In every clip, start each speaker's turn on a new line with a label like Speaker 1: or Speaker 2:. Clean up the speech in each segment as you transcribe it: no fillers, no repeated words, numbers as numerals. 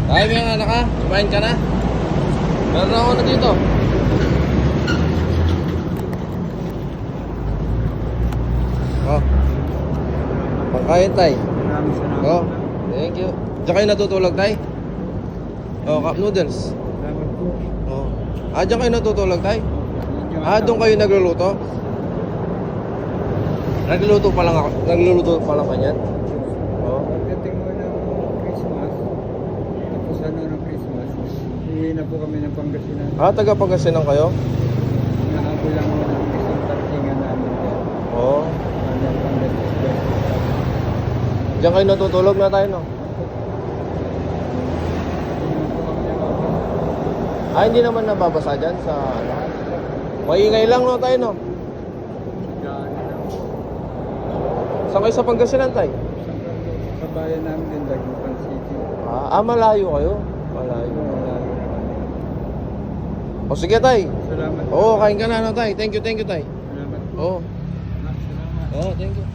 Speaker 1: Ay, may anak ka? Kumain ka na? Meron ako na dito. Oh. Pagkain, tay.
Speaker 2: Maraming salamat.
Speaker 1: Oh, thank you. Diyan kayo natutulog, tay? Oh, cup noodles.
Speaker 2: Salamat po.
Speaker 1: Oh. Diyan kayo natutulog, tay?
Speaker 2: Medyo
Speaker 1: Doon kayo nagluluto? Nagluluto pa lang ako. Nagluluto pa lang kanyan. Oh.
Speaker 2: Pagdating mo ng Christmas, tapos ano ng Christmas, hihingi na po kami ng Pangasinan.
Speaker 1: Taga Pangasinan kayo?
Speaker 2: Nahabol lang mo ng isang tartingan namin dyan.
Speaker 1: Oh.
Speaker 2: Ano, Pangasinan.
Speaker 1: Diyan kayo natutulog na tayo, no? Hindi naman nababasa dyan sa ano. Maingay lang, no, tayo, no? Saan kayo sa Pangasinan, tayo?
Speaker 2: Sa bayan namin din, Dagupan City.
Speaker 1: Malayo kayo? Malayo. O sige, tay.
Speaker 2: Salamat.
Speaker 1: Oo, kain ka na, no, tay. Thank you, tay.
Speaker 2: Salamat po.
Speaker 1: Oo.
Speaker 2: Salamat.
Speaker 1: Oo, thank you.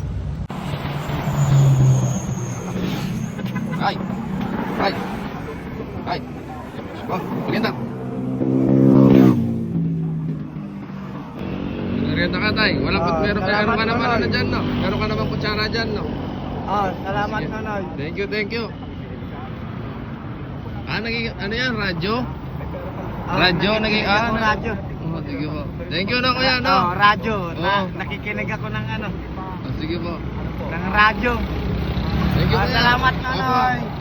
Speaker 1: Ay. Oh, merienda. Merienda ka, tay. Meron ka naman ano dyan, no? Meron ka naman kutsara dyan, no?
Speaker 2: Salamat,
Speaker 1: Sige.
Speaker 2: Nonoy.
Speaker 1: Thank you. Ano yan, radyo? Radyo,
Speaker 2: radyo.
Speaker 1: Oh, sige po. Thank you na, kuya, no?
Speaker 2: Radyo.
Speaker 1: Oo.
Speaker 2: Nakikinig ako ng ano,
Speaker 1: Sige po.
Speaker 2: ng radyo.
Speaker 1: Thank you, kuya.
Speaker 2: Salamat,
Speaker 1: Opo.
Speaker 2: Nonoy.